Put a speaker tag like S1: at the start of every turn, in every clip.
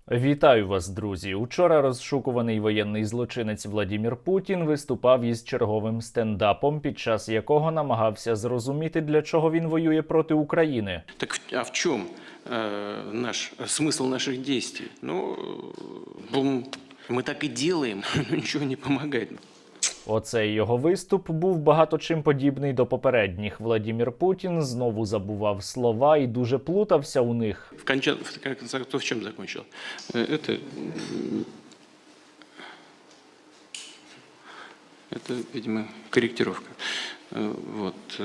S1: Вітаю вас, друзі! Учора розшукуваний воєнний злочинець Владімір Путін виступав із черговим стендапом, під час якого намагався зрозуміти, для чого він воює проти України.
S2: Так а в чому смисл наших дій? Ми так і робимо, але нічого не допомагає.
S1: Оцей його виступ був багато чим подібний до попередніх. Владімір Путін знову забував слова і дуже плутався у них.
S2: В конце концов, в чому закінчив? Это, видимо, корректировка. Вот.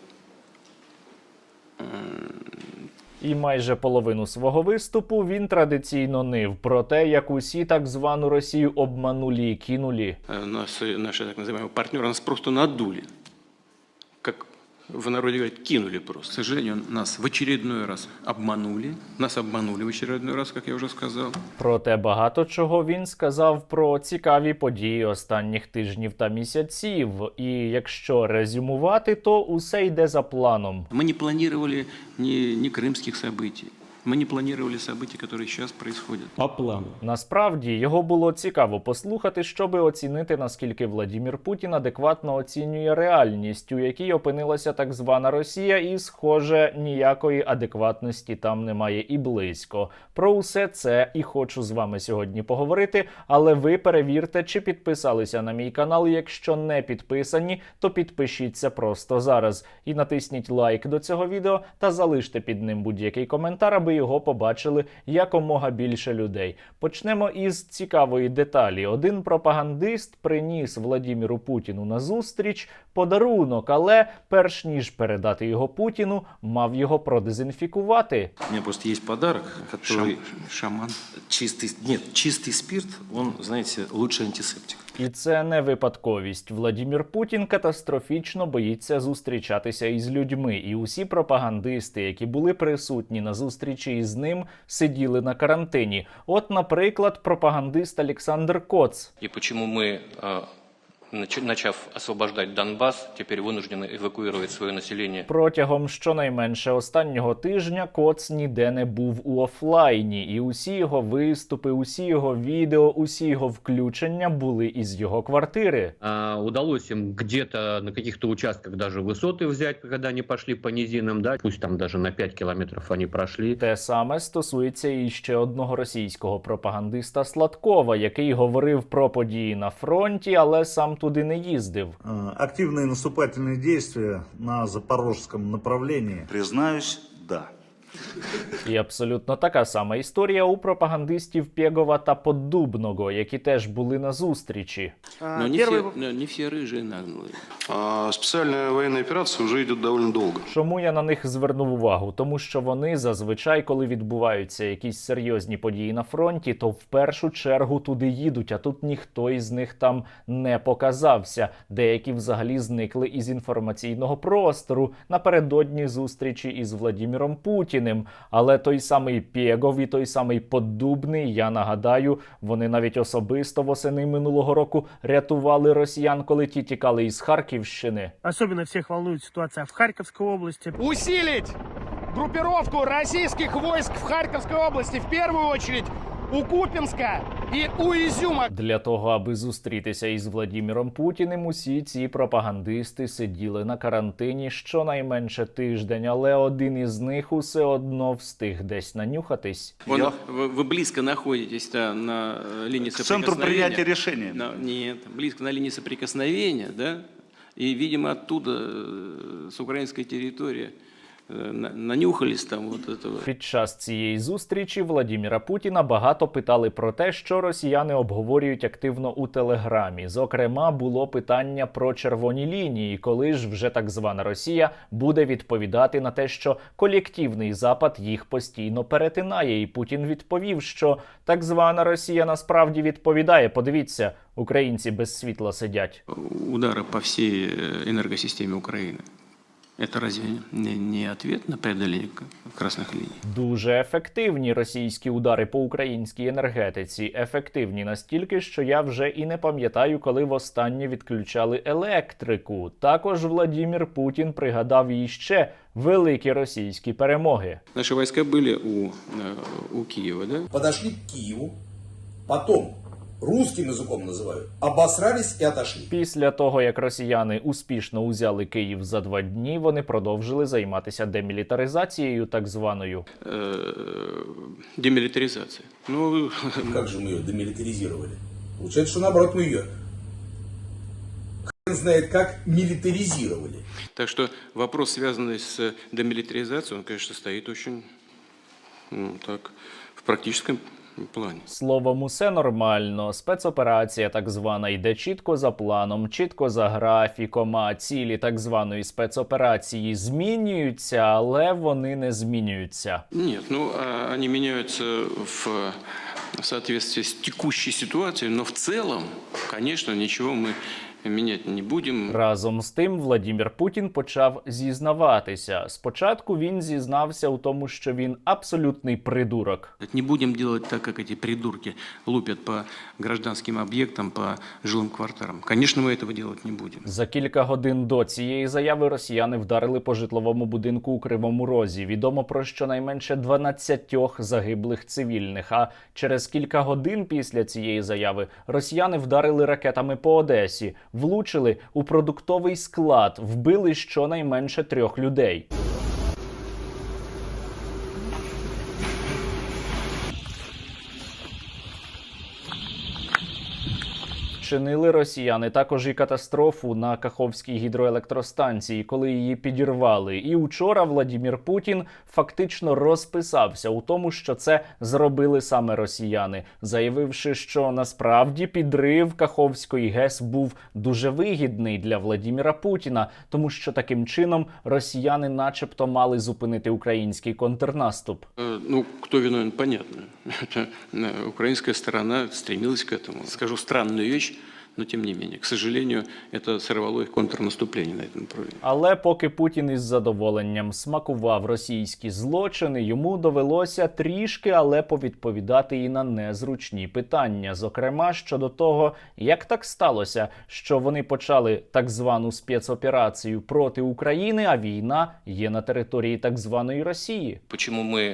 S1: І майже половину свого виступу він традиційно нив про те, як усі так звану Росію обманули і кинули.
S2: Наши так называемые партнеры нас просто надули. Как в народе говорят, кинули просто. К сожалению, нас в очередной раз обманули. Нас обманули в очередной раз, как я уже сказал.
S1: Проте багато чого він сказав про цікаві події останніх тижнів та місяців. І якщо резюмувати, то усе йде за планом.
S2: Мы не планировали ни крымских событий. Мы не планировали события, которые сейчас происходят.
S3: По плану.
S1: Насправді, його було цікаво послухати, щоби оцінити, наскільки Владімір Путін адекватно оцінює реальність, у якій опинилася так звана Росія, і, схоже, ніякої адекватності там немає і близько. Про усе це і хочу з вами сьогодні поговорити, але ви перевірте, чи підписалися на мій канал. Якщо не підписані, то підпишіться просто зараз. І натисніть лайк до цього відео та залиште під ним будь-який коментар, аби його побачили якомога більше людей. Почнемо із цікавої деталі. Один пропагандист приніс Владіміру Путіну на зустріч подарунок, але перш ніж передати його Путіну, мав його продезінфікувати.
S4: У меня просто есть подарок, который
S2: Шаман.
S4: чистый спирт, он, знаете, лучший антисептик.
S1: І це не випадковість. Владімір Путін катастрофічно боїться зустрічатися із людьми. І усі пропагандисти, які були присутні на зустрічі із ним, сиділи на карантині. От, наприклад, пропагандист Олександр Коц.
S5: И почему мы, начав освобождать Донбасс, теперь вынуждены эвакуировать свое население.
S1: Протягом щонайменше останнього тижня Коц ніде не був у офлайні. І усі його виступи, усі його відео, усі його включення були із його квартири.
S3: Удалось им где-то на каких-то участках даже высоты взять, когда они пошли по низинам, да, пусть там даже на 5 километров они прошли.
S1: Те саме стосується і ще одного російського пропагандиста Сладкова, який говорив про події на фронті, але сам туди не їздив.
S6: Активные наступательные действия на запорожском направлении.
S7: Признаюсь, да.
S1: І абсолютно така сама історія у пропагандистів Пєгова та Поддубного, які теж були на зустрічі.
S2: Но не все рыжие наглые.
S7: Специальная военная операция уже идет довольно долго.
S1: Чому я на них звернув увагу? Тому що вони зазвичай, коли відбуваються якісь серйозні події на фронті, то в першу чергу туди їдуть, а тут ніхто із них там не показався. Деякі взагалі зникли із інформаційного простору напередодні зустрічі із Владіміром Путіним. Але той самий Пєгов і той самий Поддубний, я нагадаю, вони навіть особисто восени минулого року рятували росіян, коли ті тікали із Харківщини.
S8: Особенно всех волнует ситуация в Харьковской области.
S9: Усилить группировку российских войск в Харьковской области, в первую очередь у Купинска и у Изюма.
S1: Для того, аби зустрітися із Владіміром Путіним, усі ці пропагандисти сиділи на карантині щонайменше тиждень, але один із них усе одно встиг десь нанюхатись.
S2: Вы близко находитесь на линии
S7: К
S2: соприкосновения.
S7: центру принятия решения.
S2: Нет, близко на линии соприкосновения, да? И, видимо, оттуда, с украинской территории, нанюхались там вот этого.
S1: Під час цієї зустрічі Владіміра Путіна багато питали про те, що росіяни обговорюють активно у Телеграмі. Зокрема, було питання про червоні лінії, коли ж вже так звана Росія буде відповідати на те, що колективний Запад їх постійно перетинає. І Путін відповів, що так звана Росія насправді відповідає. Подивіться, українці без світла сидять.
S2: Удара по всей энергосистеме Украины. Это разве не ответ на преодоление красных линий?
S1: Дуже ефективні російські удари по українській енергетиці. Ефективні настільки, що я вже і не пам'ятаю, коли востаннє відключали електрику. Також Владімір Путін пригадав іще великі російські перемоги.
S2: Наши войска были у Киева, да?
S10: Подошли к Киеву, потом, русским языком называют, обосрались и отошли.
S1: Після того, як росіяни успішно узяли Київ за 2 дні, вони продовжили займатися демілітаризацією так званою.
S2: Демилитаризация. Ну,
S10: Как же мы ее демилитаризировали? Получается, что наоборот мы ее хрен знает как милитаризировали.
S2: так что вопрос, связанный с демилитаризацией, он, конечно, стоит очень так, в практическом плане.
S1: Словом, усе нормально. Спецоперація так звана йде чітко за планом, чітко за графіком, а цілі так званої спецоперації змінюються, але вони не змінюються.
S2: Нет, ну, они меняются в соответствии с текущей ситуацией, но в целом, конечно, ничего мы менять не будем.
S1: Разом з тим, Владімір Путін почав зізнаватися. Спочатку він зізнався у тому, що він абсолютний придурок.
S2: Не будем делать так, как эти придурки лупят по гражданским объектам, по жилым кварталам. Конечно, мы этого делать не будем.
S1: За кілька годин до цієї заяви росіяни вдарили по житловому будинку у Кривому Розі. Відомо про щонайменше 12 загиблих цивільних. А через кілька годин після цієї заяви росіяни вдарили ракетами по Одесі, влучили у продуктовий склад, вбили щонайменше 3 людей. Вчинили росіяни також і катастрофу на Каховській гідроелектростанції, коли її підірвали. І учора Владімір Путін фактично розписався у тому, що це зробили саме росіяни, заявивши, що насправді підрив Каховської ГЕС був дуже вигідний для Владіміра Путіна, тому що таким чином росіяни начебто мали зупинити український контрнаступ.
S2: Ну, кто виновен, понятно. Это украинская сторона стремилась к этому. Скажу странную вещь, но тем не менее, к сожалению, это сорвало их контрнаступление на этом направлении.
S1: Але поки Путін із задоволенням смакував російські злочини, йому довелося трішки, але повідповідати і на незручні питання. Зокрема, щодо того, як так сталося, що вони почали так звану спецоперацію проти України, а війна є на території так званої Росії.
S5: Почему мы,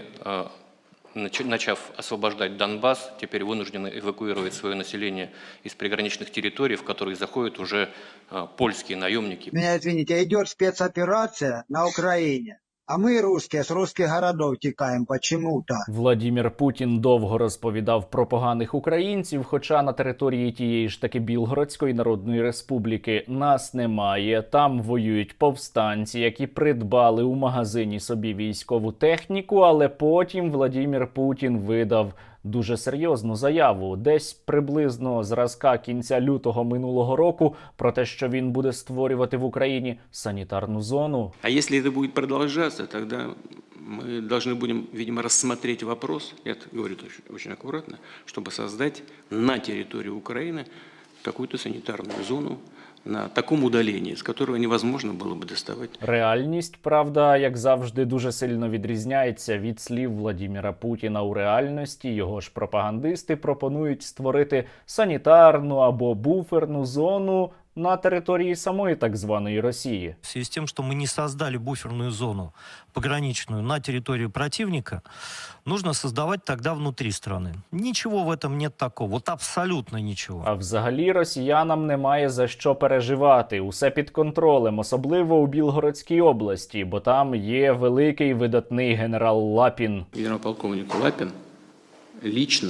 S5: начав освобождать Донбасс, теперь вынуждены эвакуировать свое население из приграничных территорий, в которые заходят уже польские наемники.
S11: Меня извините, идет спецоперация на Украине. А мы, русские, с русских городов текаем почему-то.
S1: Владімір Путін довго розповідав про поганих українців, хоча на території тієї ж таки Білгородської Народної Республіки нас немає. Там воюють повстанці, які придбали у магазині собі військову техніку, але потім Владімір Путін видав дуже серйозну заяву, десь приблизно зразка кінця лютого минулого року, про те, що він буде створювати в Україні санітарну зону.
S2: А если это будет продолжаться, тогда мы должны будем, видимо, рассмотреть вопрос, я это говорю очень аккуратно, чтобы создать на территории Украины какую-то санитарную зону на такому удалении, з которого невозможно було б доставати.
S1: Реальність, правда, як завжди, дуже сильно відрізняється від слів Владіміра Путіна. У реальності його ж пропагандисти пропонують створити санітарну або буферну зону на території самої так званої Росії.
S12: В связи с тем, что мы не создали буферную зону пограничную на территории противника, нужно создавать тогда внутри страны. Ничего в этом нет такого, вот абсолютно ничего.
S1: А взагалі росіянам немає за що переживати. Усе під контролем, особливо у Білгородській області, бо там є великий видатний генерал Лапін.
S2: Генерал-полковник Лапін лично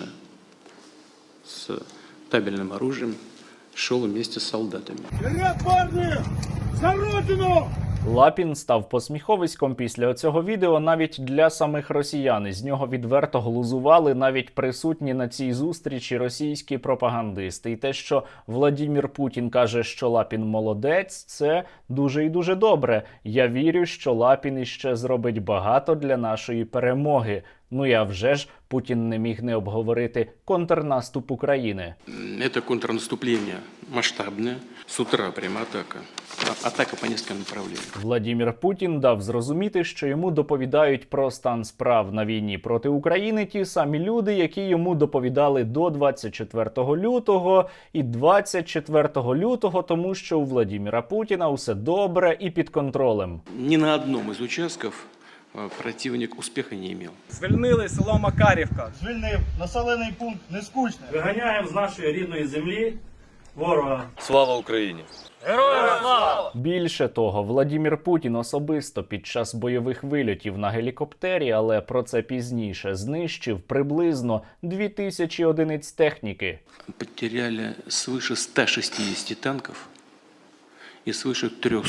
S2: з табельним оружием шел вместе с солдатами.
S9: Вперед, парни! За родину!
S1: Лапін став посміховиськом після цього відео навіть для самих росіян. З нього відверто глузували навіть присутні на цій зустрічі російські пропагандисти. І те, що Владімір Путін каже, що Лапін молодець, це дуже і дуже добре. Я вірю, що Лапін іще зробить багато для нашої перемоги. Ну і а вже ж Путін не міг не обговорити контрнаступ України.
S2: Это контрнаступление масштабное. С утра прямо атака. Атака по нескольким направлениям.
S1: Владімір Путін дав зрозуміти, що йому доповідають про стан справ на війні проти України ті самі люди, які йому доповідали до 24 лютого і 24 лютого, тому що у Владіміра Путіна усе добре і під контролем.
S2: Ни на одном из участков противник успеха не имел.
S9: Звільнили село Макарівка.
S8: Звільнив населений пункт Нескучне. Виганяємо з нашої рідної землі ворога.
S4: Слава Украине!
S1: Більше того, Владімір Путін особисто під час бойових вильотів на гелікоптері, але про це пізніше, знищив приблизно 2000 одиниць техніки.
S2: Потеряли свыше 160 танков и свыше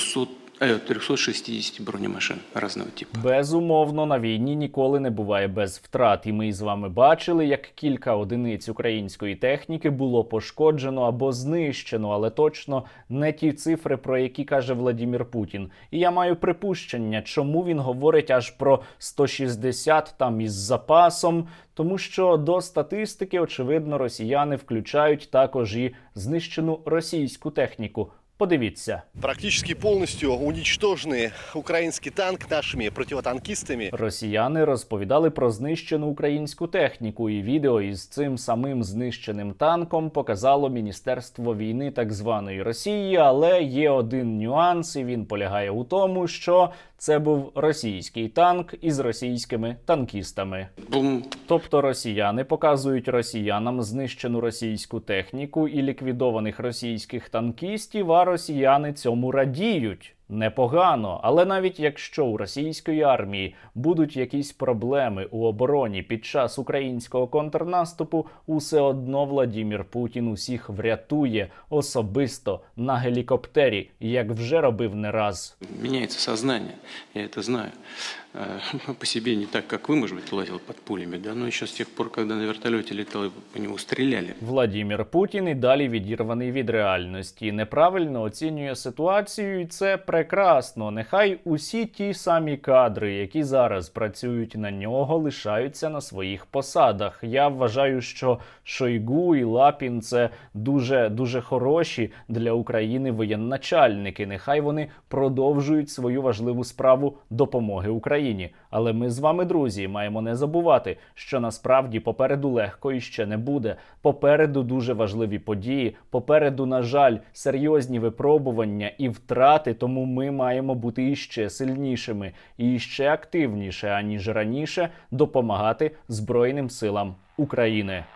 S2: 360 бронемашин разного типа.
S1: Безумовно, на війні ніколи не буває без втрат. І ми з вами бачили, як кілька одиниць української техніки було пошкоджено або знищено, але точно не ті цифри, про які каже Владімір Путін. І я маю припущення, чому він говорить аж про 160 там із запасом, тому що до статистики, очевидно, росіяни включають також і знищену російську техніку. Подивіться.
S9: Практически полностью уничтоженный украинский танк нашими противотанкистами.
S1: Росіяни розповідали про знищену українську техніку, і відео із цим самим знищеним танком показало Міністерство війни так званої Росії, але є один нюанс, і він полягає у тому, що це був російський танк із російськими танкістами.
S2: Бум.
S1: Тобто росіяни показують росіянам знищену російську техніку і ліквідованих російських танкістів, а росіяни цьому радіють. Непогано, але навіть якщо у російської армії будуть якісь проблеми у обороні під час українського контрнаступу, усе одно Владімір Путін усіх врятує особисто на гелікоптері, як вже робив не раз.
S2: Меняется сознание, я это знаю. По себе не так, как вы, может быть, лазил под пулями, да, но еще с тех пор, когда на вертолете летал и по нему стреляли.
S1: Владімір Путін і далі відірваний від реальності, неправильно оцінює ситуацію, і це прекрасно. Нехай усі ті самі кадри, які зараз працюють на нього, лишаються на своїх посадах. Я вважаю, що Шойгу і Лапін – це дуже хороші для України воєнначальники. Нехай вони продовжують свою важливу справу допомоги Україні. Але ми з вами, друзі, маємо не забувати, що насправді попереду легко іще не буде. Попереду дуже важливі події, попереду, на жаль, серйозні випробування і втрати, тому ми маємо бути іще сильнішими і іще активніше, аніж раніше, допомагати Збройним силам України.